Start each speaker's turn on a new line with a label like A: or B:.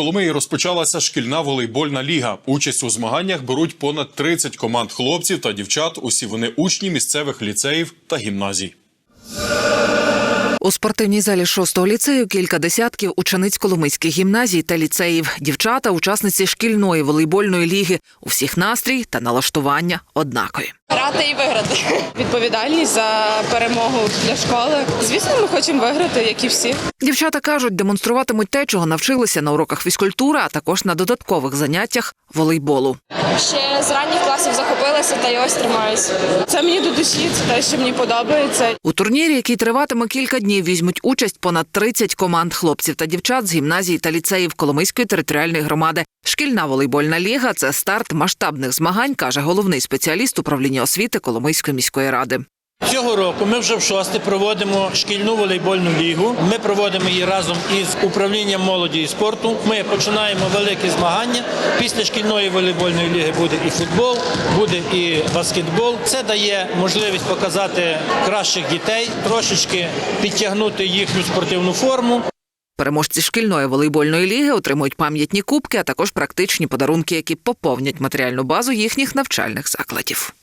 A: Коломиї розпочалася шкільна волейбольна ліга. Участь у змаганнях беруть понад 30 команд хлопців та дівчат. Усі вони учні місцевих ліцеїв та гімназій.
B: У спортивній залі 6-го ліцею кілька десятків учениць Коломийських гімназій та ліцеїв. Дівчата – учасниці шкільної волейбольної ліги. У всіх настрій та налаштування однакові.
C: Грати і виграти. Відповідальність за перемогу для школи. Звісно, ми хочемо виграти, як і всі.
B: Дівчата кажуть, демонструватимуть те, чого навчилися на уроках фізкультури, а також на додаткових заняттях волейболу.
C: Ще з ранніх класів захопилася та й ось тримаюся. Це мені до душі, це те, що мені подобається.
B: У турнірі, який триватиме кілька днів, візьмуть участь понад 30 команд хлопців та дівчат з гімназій та ліцеїв Коломийської територіальної громади. Шкільна волейбольна ліга – це старт масштабних змагань, каже головний спеціаліст управління освіти Коломийської міської ради.
D: Цього року ми вже в-6 проводимо шкільну волейбольну лігу. Ми проводимо її разом із управлінням молоді і спорту. Ми починаємо великі змагання. Після шкільної волейбольної ліги буде і футбол, буде і баскетбол. Це дає можливість показати кращих дітей, трошечки підтягнути їхню спортивну форму.
B: Переможці шкільної волейбольної ліги отримують пам'ятні кубки, а також практичні подарунки, які поповнять матеріальну базу їхніх навчальних закладів.